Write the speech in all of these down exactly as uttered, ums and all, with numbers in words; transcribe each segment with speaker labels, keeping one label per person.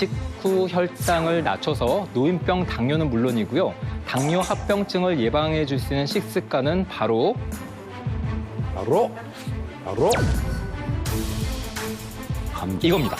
Speaker 1: 식후 혈당을 낮춰서 노인병 당뇨는 물론이고요. 당뇨 합병증을 예방해 줄 수 있는 식습관은 바로
Speaker 2: 바로 바로 감자.
Speaker 1: 이겁니다.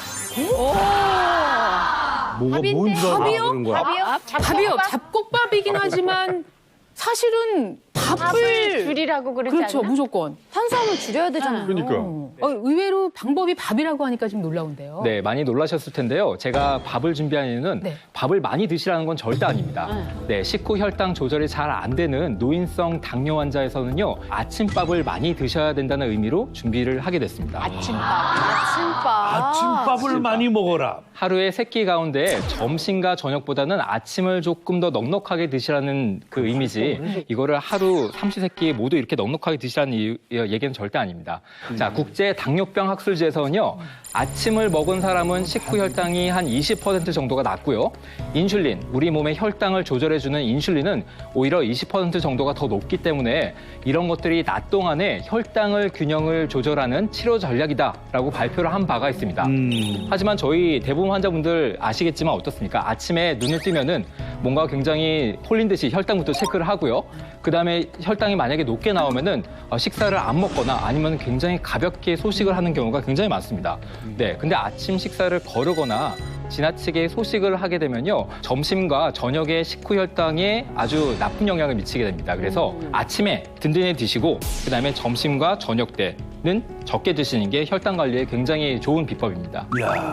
Speaker 2: 뭐가
Speaker 3: 밥인데.
Speaker 2: 뭔 줄 알아
Speaker 3: 밥이요?
Speaker 2: 그런 거야?
Speaker 3: 밥이요?
Speaker 4: 밥이요. 잡곡밥이긴 하지만 사실은 밥을
Speaker 3: 밥을 줄이라고 그러지
Speaker 4: 그렇죠.
Speaker 3: 않나?
Speaker 4: 무조건.
Speaker 3: 탄수화물 줄여야 되잖아요.
Speaker 2: 그러니까.
Speaker 4: 어, 의외로 방법이 밥이라고 하니까 좀 놀라운데요.
Speaker 1: 네, 많이 놀라셨을 텐데요. 제가 밥을 준비한 이유는
Speaker 4: 네.
Speaker 1: 밥을 많이 드시라는 건 절대 아닙니다. 네, 식후 혈당 조절이 잘 안 되는 노인성 당뇨 환자에서는요. 아침밥을 많이 드셔야 된다는 의미로 준비를 하게 됐습니다.
Speaker 3: 아침밥. 아침밥.
Speaker 2: 아침밥을 많이 먹어라.
Speaker 1: 하루에 세 끼 가운데 점심과 저녁보다는 아침을 조금 더 넉넉하게 드시라는 그 의미지 이거를 하루 삼시세끼 모두 이렇게 넉넉하게 드시라는 이- 얘기는 절대 아닙니다. 자, 국제 당뇨병 학술지에서는요. 아침을 먹은 사람은 식후 혈당이 한 이십 퍼센트 정도가 낮고요. 인슐린, 우리 몸의 혈당을 조절해주는 인슐린은 오히려 이십 퍼센트 정도가 더 높기 때문에 이런 것들이 낮 동안에 혈당을 균형을 조절하는 치료 전략이다라고 발표를 한 바가 있습니다.
Speaker 2: 음.
Speaker 1: 하지만 저희 대부분 환자분들 아시겠지만 어떻습니까? 아침에 눈을 뜨면은 뭔가 굉장히 홀린 듯이 혈당부터 체크를 하고요. 그다음에 혈당이 만약에 높게 나오면은 어, 식사를 안 먹거나 아니면 굉장히 가볍게 소식을 하는 경우가 굉장히 많습니다. 네, 근데 아침 식사를 거르거나 지나치게 소식을 하게 되면요. 점심과 저녁의 식후 혈당에 아주 나쁜 영향을 미치게 됩니다. 그래서 아침에 든든히 드시고 그다음에 점심과 저녁 때는 적게 드시는 게 혈당 관리에 굉장히 좋은 비법입니다.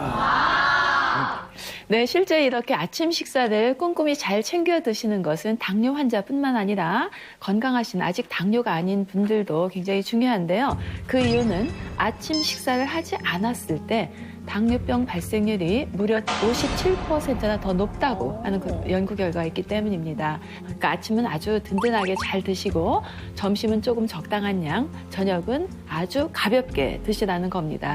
Speaker 5: 네, 실제 이렇게 아침 식사를 꼼꼼히 잘 챙겨 드시는 것은 당뇨 환자뿐만 아니라 건강하신 아직 당뇨가 아닌 분들도 굉장히 중요한데요. 그 이유는 아침 식사를 하지 않았을 때 당뇨병 발생률이 무려 오십칠 퍼센트나 더 높다고 하는 그 연구 결과가 있기 때문입니다. 그러니까 아침은 아주 든든하게 잘 드시고 점심은 조금 적당한 양, 저녁은 아주 가볍게 드시라는 겁니다.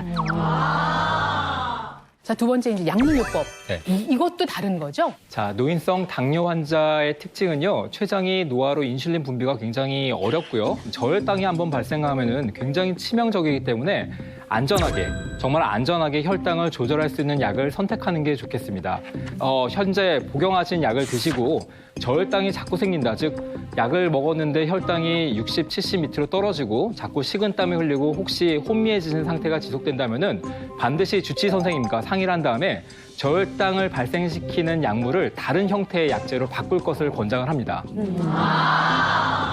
Speaker 4: 자, 두 번째 이제 약물요법.
Speaker 1: 네.
Speaker 4: 이, 이것도 다른 거죠?
Speaker 1: 자, 노인성 당뇨 환자의 특징은요. 췌장이 노화로 인슐린 분비가 굉장히 어렵고요. 저혈당이 한번 발생하면은 굉장히 치명적이기 때문에 안전하게, 정말 안전하게 혈당을 조절할 수 있는 약을 선택하는 게 좋겠습니다. 어, 현재 복용하신 약을 드시고 저혈당이 자꾸 생긴다. 즉, 약을 먹었는데 혈당이 육십, 칠십 밑으로 떨어지고 자꾸 식은땀이 흘리고 혹시 혼미해지는 상태가 지속된다면은 반드시 주치 선생님과 상의를 한 다음에 저혈당을 발생시키는 약물을 다른 형태의 약제로 바꿀 것을 권장을 합니다.